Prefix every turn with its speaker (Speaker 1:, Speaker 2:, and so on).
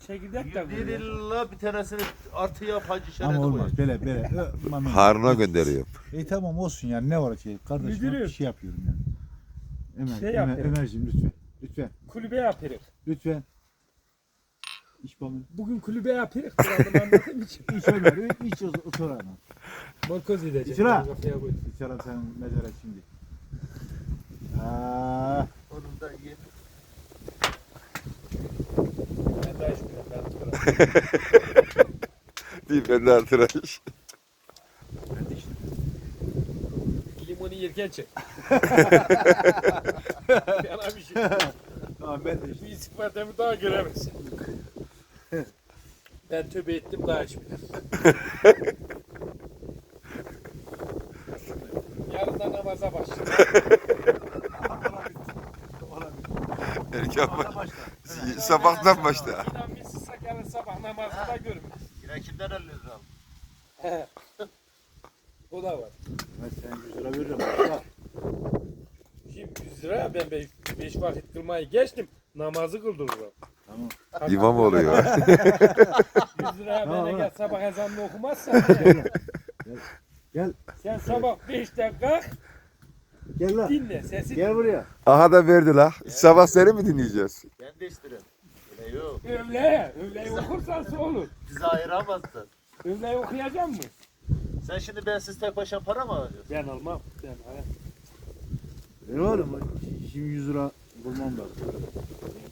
Speaker 1: çekirdek de
Speaker 2: Bir
Speaker 1: koyuyor.
Speaker 2: illa bir tanesini artı yap hacı şerede
Speaker 3: Ama
Speaker 2: koy.
Speaker 3: olmaz. Böyle.
Speaker 4: Harun'a gönderiyorum.
Speaker 3: Tamam olsun yani ne var ki? Kardeşim
Speaker 1: Müdürüm.
Speaker 3: bir şey yapıyorum yani.
Speaker 1: Şey yapıyorum.
Speaker 3: Ömerciğim lütfen. Lütfen.
Speaker 1: Kulübe yaparız.
Speaker 3: Lütfen. İş bana.
Speaker 1: Bugün kulübe yaparız. Kuralını anladığım için.
Speaker 3: İş Ömer. İş otur ana.
Speaker 1: Morkoz edecek.
Speaker 3: İçira.
Speaker 1: Kafaya koy.
Speaker 3: İçerim senin mezara şimdi. Aa,
Speaker 2: Onun da ye.
Speaker 1: Ben daha hiç bilmem.
Speaker 4: Değil ben de artıraş.
Speaker 1: Limonu yerken çek. Yana bir şey.
Speaker 3: tamam ben de
Speaker 1: Bu istifademi daha göremezsin. Ben tövbe ettim daha hiç bilmem. Yarından namaza başlayalım.
Speaker 4: Erken sabahtan başla.
Speaker 1: İnan biz sısak yarın sabah namazında görürüz.
Speaker 2: Yine kimden 50 lira aldın?
Speaker 1: He. O da var.
Speaker 3: Ben sana 100 lira veririm. Bak.
Speaker 1: Şimdi 100 lira ben 5 vakit kılmayı geçtim. Namazı kıldırırım.
Speaker 3: Tamam.
Speaker 4: İmam oluyor.
Speaker 1: 100 lira
Speaker 3: Tamam,
Speaker 1: bana
Speaker 3: tamam.
Speaker 1: gel sabah ezanını okumazsan.
Speaker 3: Gel.
Speaker 1: Sen sabah 5'te kalk
Speaker 3: Gel lan.
Speaker 1: dinle sesi.
Speaker 3: Gel buraya.
Speaker 4: Aha da verdi la. Sabah seni mi dinleyeceğiz?
Speaker 2: Ben de isterim. Öyle yok.
Speaker 1: Öğleyi okursan olur.
Speaker 2: Bizi ayıramazsın.
Speaker 1: Öğleyi okuyacak mısın?
Speaker 2: Sen şimdi bensiz tek başına para mı alacaksın?
Speaker 1: Ben almam. Ben
Speaker 3: Ne var ama şimdi 100 lira bulmam lazım.